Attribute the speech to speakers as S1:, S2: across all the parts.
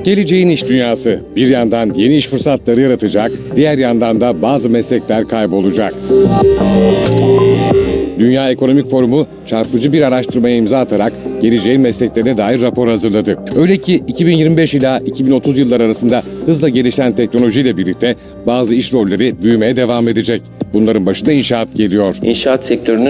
S1: Geleceğin iş dünyası bir yandan yeni iş fırsatları yaratacak, diğer yandan da bazı meslekler kaybolacak. Dünya Ekonomik Forumu çarpıcı bir araştırmaya imza atarak geleceğin mesleklerine dair rapor hazırladı. Öyle ki 2025 ila 2030 yılları arasında hızla gelişen teknolojiyle birlikte bazı iş rolleri büyümeye devam edecek. Bunların başında inşaat geliyor.
S2: İnşaat sektörünün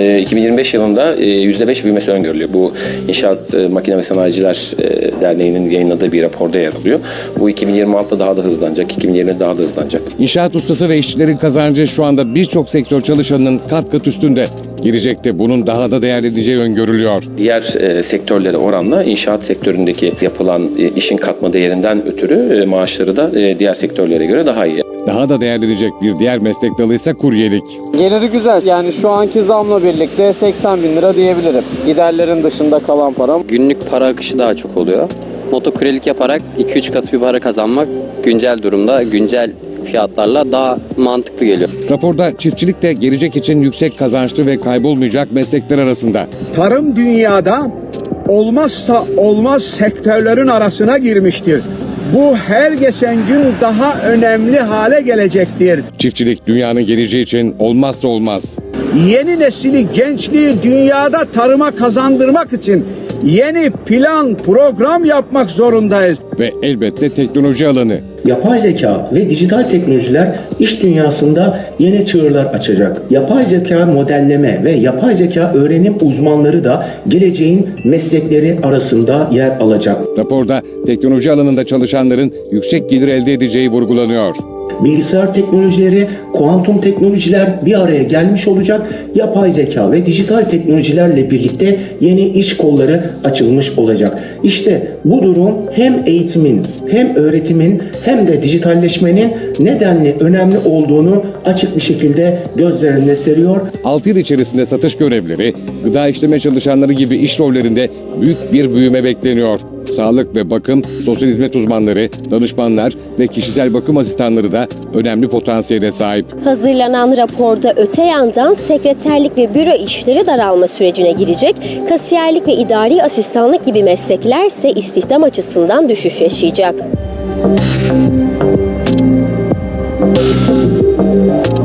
S2: 2025 yılında %5 büyümesi öngörülüyor. Bu İnşaat Makine ve Sanayiciler Derneği'nin yayınladığı bir raporda yer alıyor. Bu 2026'da daha da hızlanacak, 2020'de daha da hızlanacak.
S1: İnşaat ustası ve işçilerin kazancı şu anda birçok sektör çalışanının kat kat üstünde. Gelecekte bunun daha da değerleneceği öngörülüyor.
S2: Diğer sektörlere oranla inşaat sektöründeki yapılan işin katma değerinden ötürü maaşları da diğer sektörlere göre daha iyi.
S1: Daha da değerlenecek bir diğer meslek dalı ise kuryelik.
S3: Geliri güzel. Yani şu anki zamla birlikte 80 bin lira diyebilirim. Giderlerin dışında kalan param.
S4: Günlük para akışı daha çok oluyor. Motokuryelik yaparak 2-3 katı bir para kazanmak güncel durumda, güncel fiyatlarla daha mantıklı geliyor.
S1: Raporda çiftçilik de gelecek için yüksek kazançlı ve kaybolmayacak meslekler arasında.
S5: Tarım dünyada olmazsa olmaz sektörlerin arasına girmiştir. Bu her geçen gün daha önemli hale gelecektir.
S1: Çiftçilik dünyanın geleceği için olmazsa olmaz.
S5: Yeni nesili, gençliği dünyada tarıma kazandırmak için yeni plan, program yapmak zorundayız.
S1: Ve elbette teknoloji alanı.
S6: Yapay zeka ve dijital teknolojiler iş dünyasında yeni çığırlar açacak. Yapay zeka modelleme ve yapay zeka öğrenim uzmanları da geleceğin meslekleri arasında yer alacak.
S1: Raporda teknoloji alanında çalışanların yüksek gelir elde edeceği vurgulanıyor.
S6: Bilgisayar teknolojileri, kuantum teknolojiler bir araya gelmiş olacak. Yapay zeka ve dijital teknolojilerle birlikte yeni iş kolları açılmış olacak. İşte bu durum hem eğitimin, hem öğretimin, hem de dijitalleşmenin nedenli önemli olduğunu açık bir şekilde gözler önüne seriyor.
S1: 6 yıl içerisinde satış görevlileri, gıda işleme çalışanları gibi iş rollerinde büyük bir büyüme bekleniyor. Sağlık ve bakım, sosyal hizmet uzmanları, danışmanlar ve kişisel bakım asistanları da önemli potansiyele sahip.
S7: Hazırlanan raporda öte yandan sekreterlik ve büro işleri daralma sürecine girecek, kasiyerlik ve idari asistanlık gibi meslekler ise istihdam açısından düşüş yaşayacak.